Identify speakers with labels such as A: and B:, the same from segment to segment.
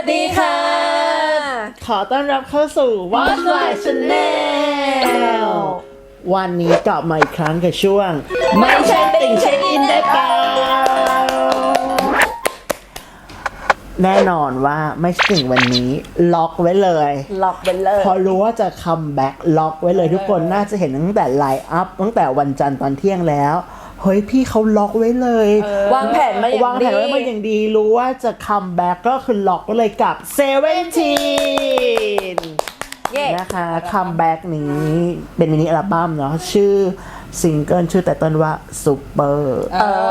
A: ดีค่ะ
B: ขอต้อนรับเข้าสู่ Watch My Channel วันนี้กลับมาอีกครั้งกับช่วงไม่ใช่ติ่งเช็คอินได้เปล่าแน่นอนว่าไม่ใช่ติ่งวันนี้ล็อกไว้เลยพอรู้ว่าจะคัมแบ็กล็อกไว้เลยทุกคนน่าจะเห็นตั้งแต่ไลน์อัพตั้งแต่วันจันทร์ตอนเที่ยงแล้วเฮ้ยพี่เขาล็อกไว้เลยว
A: างแผนมา
B: อย่างดีรู้ว่าจะคัมแบ็กก็คือล็อกไว้เลยกับ17นะคะคัมแบ็กนี้เป็นมินิอัลบั้มเนาะชื่อซิงเกิลชื่อแต่ต้นว่าซูเปอร์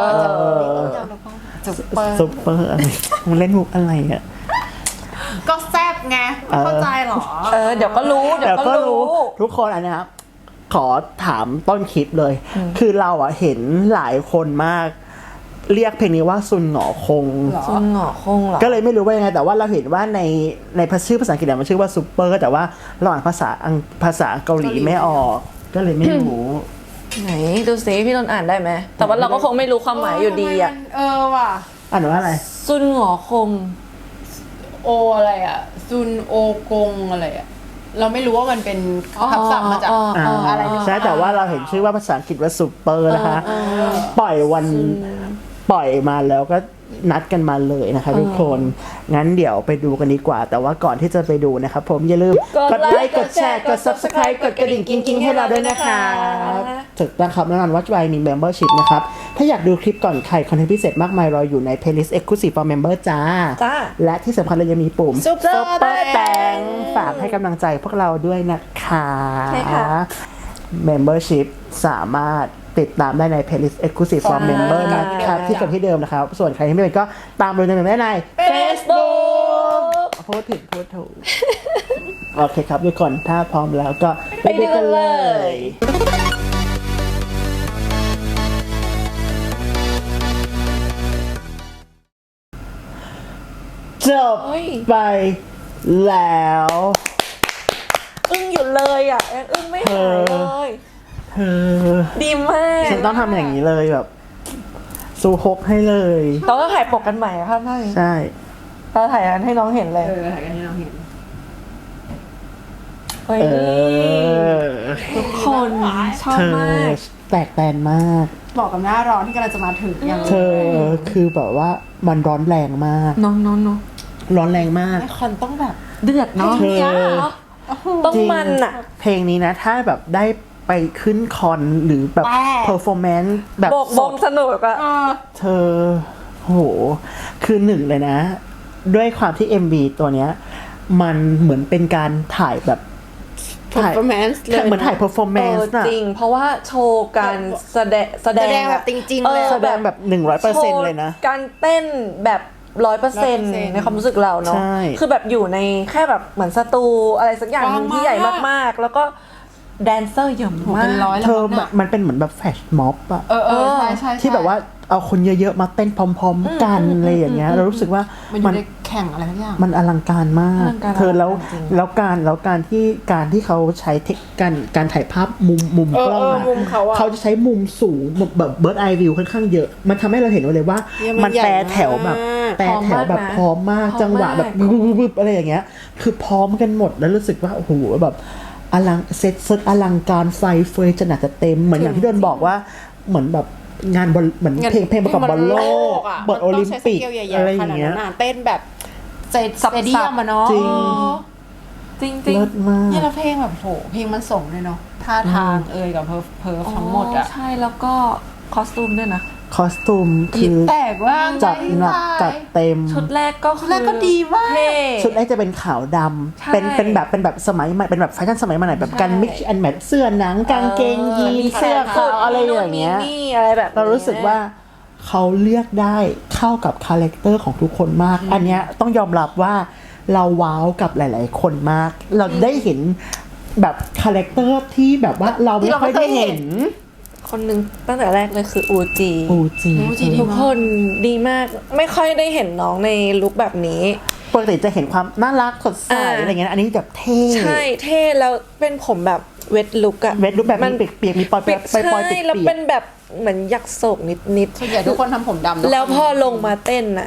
B: ซูเปอร์อะไรมึงเล่นมุกอะไรอ่ะ
C: ก็แซบไงเข้าใจหรอ
A: เดี๋ยวก็รู้
B: ทุกคนอันนี้ครับขอถามต้นคลิปเลยคือเราอ่ะเห็นหลายคนมากเรียกเพลงนี้ว่าซุนหงอคง
A: เหรอ
B: ก็เลยไม่รู้ว่ายังไงแต่ว่าเราเห็นว่าในชื่อภาษาอังกฤษมันชื่อว่าซูเปอร์แต่ว่าเราอ่านภาษาเกาหลีไม่ออกก็เลยไม่รู้
A: ไหนดูสิพี่นนท์อ่านได้ไหมแต่ว่าเราก็คงไม่รู้ความหมายอยู่ดีอ่ะ
C: ว่ะ
B: อ่านว่าอะไร
A: ซุนหงอคง
C: โออะไรอ่ะซุนโอกงอะไรอ่ะเราไม่รู้ว่ามันเป็นคำศัพท์มาจากอะไร
B: ใช่แต่ว่าเราเห็นชื่อว่าภาษาอังกฤษว่าซูเปอร์นะคะปล่อยมาแล้วก็นัดกันมาเลยนะคะทุกคนงั้นเดี๋ยวไปดูกันดีกว่าแต่ว่าก่อนที่จะไปดูนะครับผมอย่าลืมกดไลค์กดแชร์กด Subscribe กดกระดิ่งกิ๊งๆให้เราด้วยนะคะถึงนะครับแน่นอนว่าจะมี Membership นะครับถ้าอยากดูคลิปก่อนใครคอนเทนต์พิเศษมากมายรออยู่ใน Playlist Exclusive for Member จ้าและที่สำคัญเรายังมีปุ่ม Super Thanks ฝากให้กำลังใจพวกเราด้วยนะคะMembership สามารถติดตามได้ใน Playlist Exclusive for Member นะครับที่กับที่เดิมนะครับส่วนใครที่ไม่เป็นก็ตามดูได้ใน
A: Facebook
B: พูดถูกโอเคครับทุกคนถ้าพร้อมแล้วก็ไปดูกันเลยจบไปแล้ว
A: อึ้งอยู่เลยอ่ะอึ้งไม่หายเลยดีมาก
B: ฉันต้องทำอย่างนี้เลยแบบซูฮกให้เลย
A: เราก็ถ่ายปกกันใหม่อะค่ะ
B: ใช่
A: เราถ่ายกันให้น้องเห็นเลย
C: ถ่ายกันให้น้องเห็น
A: เฮ้ยทุกคนชอบมาก
B: แตกแตนมาก
C: บอกกับหน้าร้อนที่กำลังจะมาถึงอย่าง
B: เธอคือแบบว่ามันร้อนแรงมาก
A: น้อง
B: ร้อนแรงมาก
C: คอนต้องแบบ
A: เดือดเนาะต้องมันอะ
B: เพลงนี้นะถ้าแบบได้ไปขึ้นคอนหรือแบบเพอร์ฟอร์แมนซ์แบบ
A: บงสนุกอะ
B: เธอโหคือหนึ่งเลยนะด้วยความที่ MV ตัวเนี้ยมันเหมือนเป็นการถ่ายแบบ
C: performance เลย
B: เหมือนถ่าย performance น่ะ
A: จริงเพราะว่าโชว์การแสดง
C: แบบจริงๆเลย
B: แสดงแบบ 100% เลยนะ
A: การเต้นแบบ 100% ในความรู้สึกเราเนาะคือแบบอยู่ในแค่แบบเหมือนสตูอะไรสักอย่างนึงที่ใหญ่มากๆแล้วก็แดนเซอร์เยอะมาก
B: เธอมันเป็นเหมือนแบบแฟชม็อบอะ
C: ใช่
B: ที่แบบว่าเอาคนเยอะๆมาเต้นพร้อมๆกันอะไรอย่างเงี้ยเรารู้สึกว่า
C: มันแข่งอะไรทุกอย่าง
B: มันอลังการมากเธอแล้วการที่เขาใช้การถ่ายภาพมุมกล้องอะเขาจะใช้มุมสูงแบบเบิร์ดไอวิวค่อนข้างเยอะมันทำให้เราเห็นเลยว่ามันแปรแถวแบบพร้อมมากจังหวะแบบบึ๊บอะไรอย่างเงี้ยคือพร้อมกันหมดแล้วรู้สึกว่าโอ้โหแบบอลังเซตอลังการไฟเฟยจะหนักจะเต็มเหมือนอย่างที่โดนบอกว่าเหมือนแบบงานบอลเหมือนเพลงประกอบบอลโลกบอลโอลิมปิกอะไรอย่างเงี้ย
C: เต้นแบบสเตเดียมอะเนาะ
A: จริง
B: เลิศมาก
C: เนี่ยแล้วเพลงแบบโหเพลงมันส่งเลยเนาะท่าทางกับเพอทั้งหมดอะ
A: ใช่แล้วก็คอสตูมด้วยนะ
B: คอสตูมคือ
C: แตกว่า
B: จัดหนักจัดเต็ม
A: ชุดแรกก็
C: ดีมาก
B: ชุดแรกจะเป็นขาวดำเป็นแบบสมัยใหม่เป็นแบบแฟชั่นสมัยใหม่แบบการมิกซ์แอนด์แมทเสื้อหนังกางเกงยีนเสื้อขาวอะไรอย่างเงี้ย
A: อะไรแบบ
B: เรารู้สึกว่าเขาเลือกได้เข้ากับคาแรคเตอร์ของทุกคนมากอันเนี้ยต้องยอมรับว่าเราว้าวกับหลายๆคนมากเราได้เห็นแบบคาแรคเตอร์ที่แบบว่าเราไม่ค่อยได้เห็น
A: คนหนึ่งตั้งแต่แรกเลยคืออูจีทุกคนดีมากไม่ค่อยได้เห็นน้องในลุคแบบนี้
B: ปกติจะเห็นความน่ารักสดใสอะไรเงี้ยอันนี้แบบเท่
A: ใช่เท่แล้วเป็นผมแบบเวทลุคอะ
B: เวทลุคแบบมันเปียกๆมีปอยๆ
A: ใช่แล้วเป็นแบบเหมือนยักษ์โศกนิด
C: ส่วนใหญ่ทุกคนทำผมดำ
A: แล้วพอลงมาเต้นอะ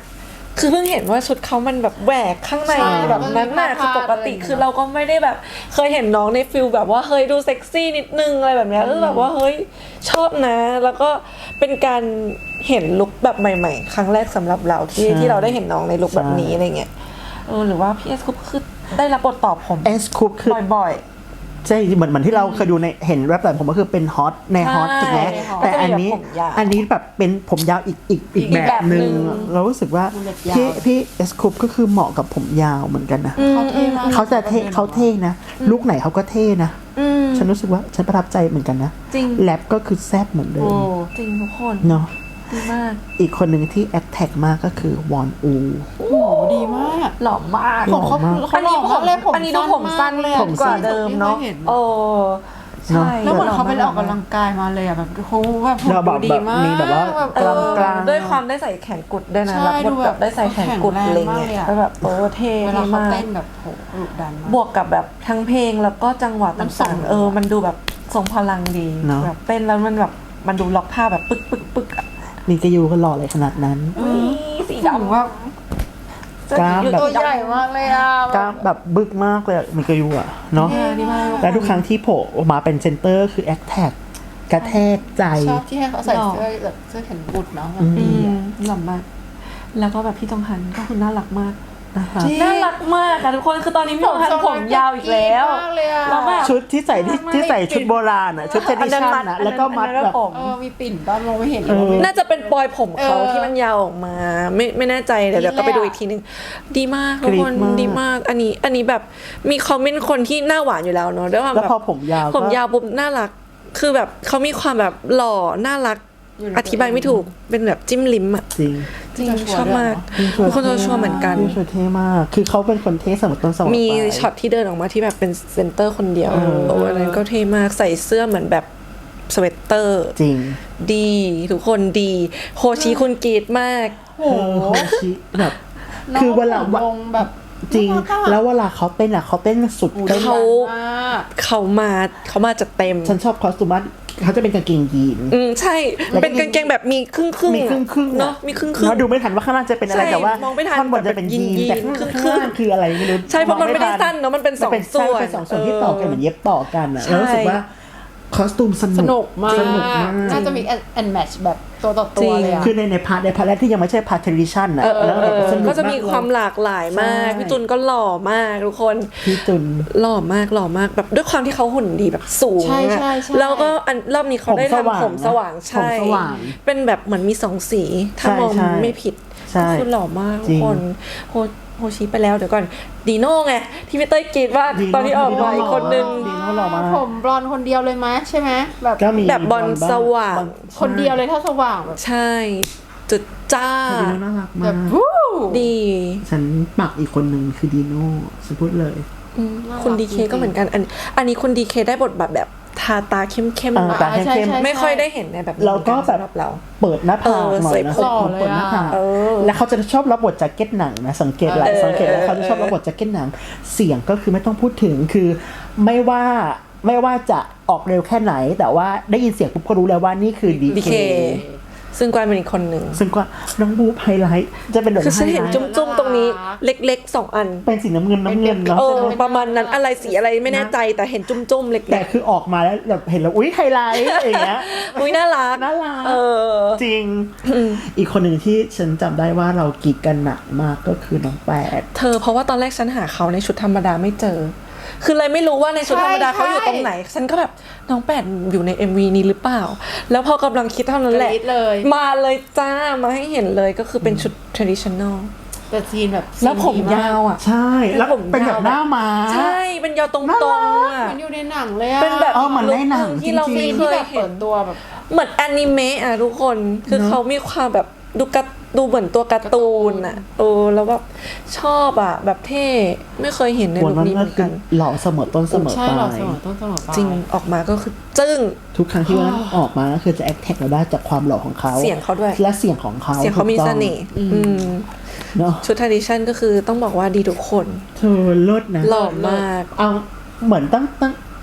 A: คือเพิ่งเห็นว่าชุดเขามันแบบแหวกข้างใน
C: ใช่
A: แบบนั้นน่ะ
C: มันมี
A: คือปกติ
C: ผ้าๆ
A: คือเราก็ไม่ได้แบบเคยเห็นน้องในฟิลแบบว่าเฮ้ยดูเซ็กซี่นิดนึงอะไรแบบเนี้ยคือแบบว่าเฮ้ยชอบนะ แล้วก็เป็นการเห็นลุคแบบใหม่ๆ ครั้งแรกสำหรับเราที่เราได้เห็นน้องในลุคแบบนี้อะไรเงี้ยหรือว่าพี่เอสคุปคือได้รับบทตอบผม
B: เอสคุปคือ
A: บ่อย
B: ใช่เหมือนที่เราเคยดูในเห็นแรปแบบผมก็คือเป็นฮอตในฮอต
A: ใช่
B: ถูกไหม
A: ในฮอต
B: แต่อันนี้
A: ก็จะมีแบบผมยาว
B: อันนี้แบบเป็นผมยาวอีกแบบหนึ่งเรารู้สึกว่าพี่เอสคุปก็คือเหมาะกับผมยาวเหมือนกันนะ
C: เขาเท่มาก
B: เขาจะเท่เขาเท่นะลุคไหนเขาก็เท่นะ
A: ๆ
B: ฉันรู้สึกว่าฉันประทับใจเหมือนกันนะ
A: จริง
B: แรปก็คือแซบเหมือนเดิม
A: จริงทุกคน
B: เนาะ
A: ดีมาก
B: อีกคนหนึ่งที่แอคแท็กมากก็คือวอนอู
C: โอ้โหดีมาก
A: หล่อมาก
B: หล่อมาก
C: เขาหล่อมากเลยผม
A: อันนี้ดูผมสั้น
C: เลย
A: กว่าเดิมเนาะ
C: ที่คยห็
A: โอ้ใช่
C: แล้วเหมือนเขาไปออกกำลังกายมาเลยอ่ะแบบเขาแบบหุ่น
B: เราแบบ
C: ดูดีมาก
B: มีแบบว่า
C: แบบ
B: กล้ามกล้าม
A: ด้วยความได้ใส่แขนกุดด้วยนะ
C: ใช่
A: รับบท
C: ดู
A: แบ
C: แบบ
A: บได้ใส่แขนกุด
C: แข็ง
A: อะไร
C: แรงมาก
A: เงี้
C: เลย ยอะ
A: แล้วแบบเท่
C: เวลาเขา
A: มาก
C: เต้นแบบโหดุดันมาก
A: บวกกับแบบทั้งเพลงแล้วก็จังหวะ
C: มันส่
A: ต่าง งๆมันดูแบบทรงพลังดี
B: เนอะ
A: แบบเต้นแล้วมันแบบมันดูล็อกท่าแบบปึ๊กอะ
B: มีกระยูก็หล่ออะไรขนาดนั้น
A: สี
C: ถึง
A: ดำ
C: ว่า
B: กล้ามแบบ
C: ตัวใหญ่มากเลยอ่ะ
B: กล้ามแบบบึกมากเลยอะมีกระยูอะเนาะ
A: ดีมาก
B: และทุกครั้งที่โผล่ออกมาเป็นเซนเตอร์คือแอคแท็กกระแทกใจ
C: ชอบที่ให้เขาใส่เสื้อแบบเสื้อแขนกุดเนาะแบบ
A: อื
C: ดี
A: ม
C: อ่ะ
A: หล่อมาก แล้วก็แบบพี่จงฮันก็คือน่ารักมาก
B: นะคะ
A: น่ารักมากอะทุกคนคือตอนนี้พี่จงฮันผมยาวอีกแล้ว
C: มากเลยอ่ะ
A: แล้วแบบ
B: ชุดที่ใส่ที่ใส่ชุดโบราณอะชุดเทดิชันอะแล้วก็มัดแบบ
A: ผม
C: มีปิ่นบ้างมองไม่เห็นเลยว่าไม่
A: น่าจะเป็นปลอยผมเขา
C: เออ
A: ที่มันยาวออกมา ไม่แน่ใจเดี๋ยวก็ไปดูอีกทีนึง ดีมากทุกคน
B: กรี๊ดมาก
A: ดีมาก อันนี้แบบมีคอมเมนต์คนที่หน้าหวานอยู่แล้วเนอะด้วยความ
B: แล้ว
A: แบบ
B: พอผมยาวก็
A: ผมยาวปุ๊บน่ารัก คือแบบเขามีความแบบหล่อน่ารัก อธิบายไม่ถูกเป็นแบบจิ้มลิ้มอะ
B: จริง
A: จริงชอบมากทุกคนชัวร์เหมือนกัน
B: พี่ชัวร์เท่มาก คือเขาเป็นคนเท่เสมอต้นเสมอปลาย
A: มีช็อตที่เดินออกมาที่แบบเป็นเซนเตอร์คนเดียวอันนั้นก็เท่มากใส่เสื้อเหมือนแบบสเวตเตอร์
B: จริง
A: ดีทุกคนดีโฮชิคุณกรีดมาก
C: โอ้โห
B: โฮชิแบบ
C: น้ง
B: คือเวลา
C: ผมลงแบบ
B: จริง
C: น่ารักอะ
B: แล้วเวลาเขาเต้นอะเขาเต้นสุดเต้น
A: เขา
C: มาก
A: เขามาจัดเต็ม
B: ฉันชอบคอสตูมว่าเขาจะเป็นกางเกงยีน
A: ใช่ เป็นกางเกงแบบมีครึ่งๆ
B: มีครึ่งๆ
A: เนาะมีครึ่ง
B: เนาะดูไม่ทันว่าข้างล่างจะเป็นอะไร
A: ใช่
B: แต่ว่าม
A: องไม่ทัน
B: ท่อนบนจะเป็นยีน
A: แต่
B: แต่
A: เป็น
B: ข้าง
A: ยีน
B: ล่างคืออะไรไม่รู้
A: ใช่เพราะมันไม่ได้
B: ทั
A: สั้นเนาะมันเป็นสอง
B: ใช่
A: ส่วน
B: เป็นสองส่วนที่ต่อกันเหมือนเย็บต่อกันอะ
A: ใช่
B: แล้วรู้สึกว่าคอสตูมส
C: ส
B: นุ
C: นุ
B: ก
C: กมาก
B: สนุกมาก
C: น่าจะมีแอนแมทช์แบบตัวต่อตัวเลยอะ
B: คือในพาร์ทแรกที่ยังไม่ใช่พาร์ทเทริชันอะแล้วแบบสนุก
A: ก็จะมี
B: ากเลย
A: ความหลากหลายมาก
B: ใช่
A: พี่ตุลก็หล่อมากทุกคน
B: พี่จุน
A: หล่อมากแบบด้วยความที่เขาหุ่นดีแบบสูง
C: ใช่
A: อะ
C: ใช่ใช่
A: แล้วก็รอบนี้เขาได้
B: ผมสว่าง
A: ทำผมสว่าง
B: นะ
A: ใช่
B: ผมสว่าง
A: เป็นแบบเหมือนมีสองสี ถ้า
B: ใช่
A: มอง
B: ใช่
A: ไม่ผิด
B: ใช่
A: ก็คือหล่อมากทุ
B: จริ
A: ก
B: ง
A: คนโฮชิไปแล้วเดี๋ยวก่อนดีโน่ไงที่พี่เต้ยกรีดว่า
B: ดีโน่
A: ตอนที่ออกมาอีกคนนึง
B: ดีโน่หล่อมาก
C: ผมบลอนด์คนเดียวเลยไหมใช่ไหมแบบ
B: ก็มี
A: แบบบอลสว่าง
C: คนเดียวเลยถ้าสว่างแบบ
A: ใช่ จุดจ้า
B: ดีโน่น่ารัก
C: แบ
B: มา
C: บ
B: ก
C: วู้
A: ดี
B: ฉันปักอีกคนหนึ่งคือดีโน่ฉันพูดเลย
A: คุณดีเคก็เหมือนกันอันนี้คุณดีเคได้บทแบบทาตาเข้ม
B: ตาเข้มๆ
A: ไม่ค่อยได้เห็นในแบบนี้
B: แล้วก็แบบ
A: สำหรับเรา
B: เปิดหน้าผากหน่อยนะ
A: เออสวย
B: เปิดหน้าผาก
A: เออ
B: แล้วเขาจะชอบรับบทแจ็คเก็ตหนังนะสังเกตหลายสังเกตแล้วเขาจะชอบรับบทแจ็คเก็ตหนังเสียงก็คือไม่ต้องพูดถึงคือไม่ว่าจะออกเร็วแค่ไหน แต่ว่าได้ยินเสียงปุ๊บก็รู้แล้วว่านี่คือดี
A: ดี
B: เค
A: เคซึ่งกวางเป็นอีกคนหนึ่ง
B: ซึ่งก็น้องบูไฮไลท์จะเป็นแบบ
A: คือฉันเห็น
B: ไฮไลท์
A: จุ้มๆตรงนี้เล็กๆ2 อัน
B: เป็นสีน้ำเงินเนาะ
A: ประมาณนั้นอะไรสีอะไรไม่แน่ใจแต่เห็นจุ้มๆเล็
B: แต่
A: ก
B: คือออกมาแล้วแบบเห็นแล้วอุ้ยไฮไลท์อย่างเงี้ย
A: ๆอุ้ยน่ารัก
B: น่ารัก
A: เออ
B: จริง อีกคนหนึ่งที่ฉันจำได้ว่าเรากรีดกันหนักมากก็คือน้องแปด
A: เธอเพราะว่าตอนแรกฉันหาเขาในชุดธรรมดาไม่เจอ คือเลยไม่รู้ว่าในชุดธรรมดาเขาอยู่ตรงไหน ฉันก็แบบน้องแปดอยู่ใน MV นี้หรือเปล่า แล้วพอกำลังคิดเท่านั้นแหละ
C: กรี๊ดเลย
A: มาเลยจ้ามาให้เห็นเลยก็คือเป็นชุด traditional
C: แต่ซีนแบบ
A: แล้วผม
C: ซีนดี
A: ยาวอ่ะ
B: ใช่แล้ว
A: ผม
B: เป็นแบบ
A: ยาว
B: หน้ามา
A: ใช่เป็นยาวตรงๆอ่ะ
C: เหมือนอยู่ในหนังเลยอะ
A: เป็นแบบ
B: เหมือนในหนัง
A: ที่เรา
B: จริงๆ
A: ไม่เค
C: ที่
A: ย
C: แบบ
A: เห็
C: เปิ
A: น
C: ดตัวแบบ
A: เหมือนอนิเมะอ่ะทุกคนคือเขามีความแบบดูเหมือนตัวการ์ตูนอ่ะแล้วแบบชอบอ่ะแบบเท่ไม่เคยเห็นใน
B: วน
A: ลุค
B: มัน
A: นี้เห
B: ก็
A: มือน
B: คื
A: กั
B: อน หล่อเสมอต้นเสมอ
C: ใช่
B: ปลา
C: เรา
B: ย
C: เสมอต้นเสมอปลาย
A: จริงออกมาก็คือจึ้ง
B: ทุกครั้งที่วันออกมาก็คือจะแอคแท็กเราได้จากความหล่อของเขา
A: เสียงเขาด้วย
B: และเสียงของเขา
A: เสียงเขามี
B: ถูก
A: เส
B: ต้อง
A: น่ห์ม
B: เนาะ
A: ชุด tradition ก็คือต้องบอกว่าดีทุกคน
B: เธอเลิศนะ
A: หล่อมาก
B: เอาเหมือนตั้ง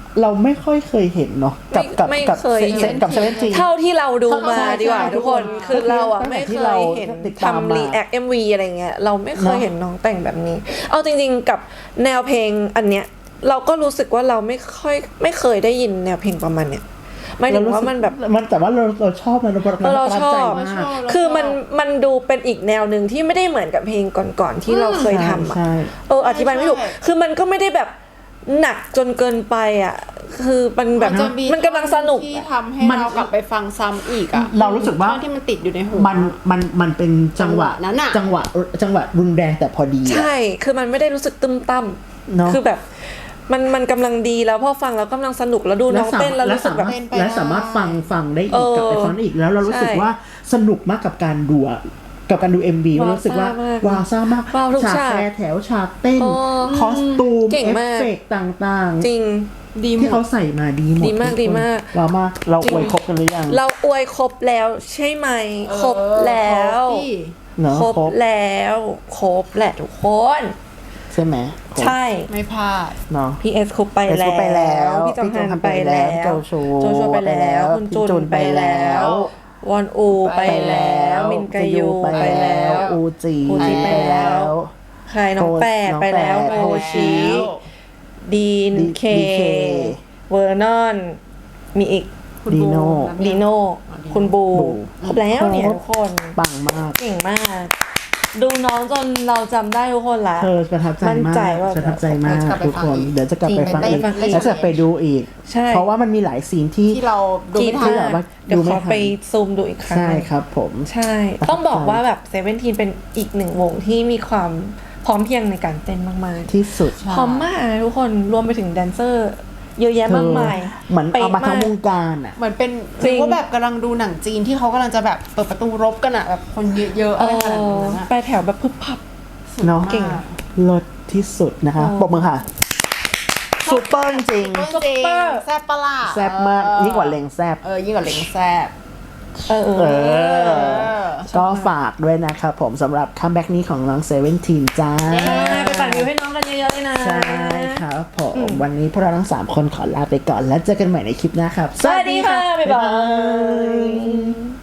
B: เราไม่ค่อยเคยเห็นเนาะกับ
A: ไม่
B: กับ
A: เคยเห็น
B: กับเซเว่นที
A: เท่าที่เราดูมา
B: ใช่
A: ดีกว่า
B: ใช่
A: ทุกคน
B: ทุกคน
A: คือเราอะ
B: ตั้งแต่
A: ไม่
B: ที่
A: เค
B: เรา
A: ยเห็น
B: ติดตามมา
A: ทำรีแอค MV อะไรเงี้ยเราไม่เคย
B: เนอะ
A: เห็นน้องแต่งแบบนี้ เอาจริงๆกับแนวเพลงอันเนี้ยเราก็รู้สึกว่าเราไม่เคยได้ยินแนวเพลงประมาณเนี้ยหมายถึงว่ามันแบบ
B: มันแต่ว่าเราชอบมันเราประ
A: เรา
B: ทับ
A: ชอ
B: ใจ
A: บ
B: มาก
A: คือมันดูเป็นอีกแนวหนึ่งที่ไม่ได้เหมือนกับเพลงก่อนๆที่เราเคยทำอะ
B: ใช่
A: อธิบายไม่ถูก คือมันก็ไม่ได้แบบหนักจนเกินไปอ่ะ คือมันแบบ
C: จะ
A: มันกำลังสนุก
C: ที่
A: อะ
C: ทำให้เรากลับไปฟังซ้ำอีกอ่ะ
B: เรารู้สึกว่า
C: ท่อนที่มันติดอยู่ในหู
B: มันเป็นจังหวะ
C: จังหวะนั้นอะ
B: จังหวะรุนแรงแต่พอดีอะ
A: ใช่ คือมันไม่ได้รู้สึกตึมตั้ม
B: เนอะ
A: คือแบบมันกำลังดีแล้วพอฟังแล้วกำลังสนุกแล้วดูน้องเต้นแล้วรู้สึกแบบ
B: และสามารถฟังได้อีกกับไปฟังได้อีกแล้วเรารู้สึก
A: ใช่
B: ว่าสนุกมากกับการดูอะกับการดู MV มันรู้สึกว่าว้าวซ่ามาก
A: ว้าวทุก
B: ฉาก
A: ฉาก
B: แฟร์แถวฉากเต้น
A: โอ้
B: คอสตูม
A: เก่ง
B: เอฟ
A: มาก
B: เฟกต์ต่าง
A: จริง
C: ดีหม
B: ที่
C: ด
B: เขาใส่มาดีหมด
A: ดีมาก
B: ทุคน
A: ดีมาก
B: ว้าวมากเรา
A: จริง
B: อวยครบกันหรือยัง
A: เราอวยครบแล้วใช่ไหม ครบแล้ว
C: พี่
B: เนาะ
A: ครบแล้วครบแหละทุกคน
B: ใช่ไหมครบ
A: ใช่
C: ไม่พลาด
B: เนาะ
A: พี่เอสครบไป
B: เอส
A: แล้
B: ครบไปแล้ว
A: วพี่จองฮัน
B: พี่จองฮัน
A: ไปแล้ว
B: ไปแล้วโจโฉ
A: ไปแล้ว คุณ
B: พี่
A: จุ
B: จุ
A: น
B: น
A: ไป
B: ไปแล้
A: แล้ว
B: ว
A: วอนอูไปแล้ว มินกายู
B: ไป
A: ไป
B: แล้
A: แล้ว ว
B: อูจี
A: อูจีไปแล้ว ใครน้องแปดไปแล้ว
B: น้องแปด
A: โฮชิดีนเค
B: DK
A: เวอร์นอน มีอีก
C: คุณ
B: ดีโน่
C: บู
A: ดีโน่คุณบู
B: บู
A: ครบแล้วเนี่ยทุกคน
B: ปังมาก
A: เก่งมาก ดูน้องจนเราจำได้ทุกคนละ
B: เธอประทับใจ
A: มั่น
B: มา
A: ใจ
B: ก
A: ว่า
B: ประทับใจมาก
C: จะกลับไป
B: ทุก
C: ฟั
B: ค
C: ง
B: น
C: อีก
B: เดี๋ยวจะกลับไปฟัง
A: จริ
B: อี
A: ง
B: ก
A: ไปฟังอีก
B: แล้วจะไปดูอีก
A: ใช่
B: เพราะว่ามันมีหลายซีนที่
C: ที่เราดูไม่ทัน
B: ที่แบบว่า
A: เดี๋ยว
B: ดูไม่
A: ขอ
B: ทัน
A: ไปซูมดูอีกครั้ง
B: ใช่ครับผม
A: ใช่ ต้องบอกว่าแบบเซเว่นทีนเป็นอีกหนึ่งวงที่มีความพร้อมเพรียงในการเต้นมาก
B: ที่สุด
A: ๆ พร้อมมากนะทุกคนรวมไปถึงแดนเซอร์เยอะแยะมากมาย
B: เหมือนเอามาทั้งว
A: ป๊ะ
B: งการอ่ะ
C: เหมือนเป็น
A: จริง
C: ว่าแบบกำลังดูหนังจีนที่เขากำลังจะแบบเปิดประตูรบกันอะแบบคนเยอะๆ
A: เอ
C: อะไรขนาด
A: อ
C: นั้นอะ
A: ไปแถวแบบพึบพับ
B: เนาะ
A: เก่ง
B: เลิศที่สุดนะคะ
A: โอ้
B: ปรบมือค่ะซูเปอร์จริง
C: จริงแซ่บปะล่ะ
B: แซ่บมากยิ่งกว่าเลงแซ่บ
C: ยิ่งกว่าเล้งแซ่บ
A: เออ
B: เออ ก็ฝากด้วยนะครับผมสำหรับคัมแบ็กนี้ของน้องเซเว่นทีนจ้า
A: ไปปั่นวิวให้น้องกันเยอะๆเลยนะ
B: ใช่ครับผมวันนี้พวกเราทั้ง 3 คนขอลาไปก่อนแล้วเจอกันใหม่ในคลิปหน้าครับ
A: สวัสดีค่ะ บ๊ายบาย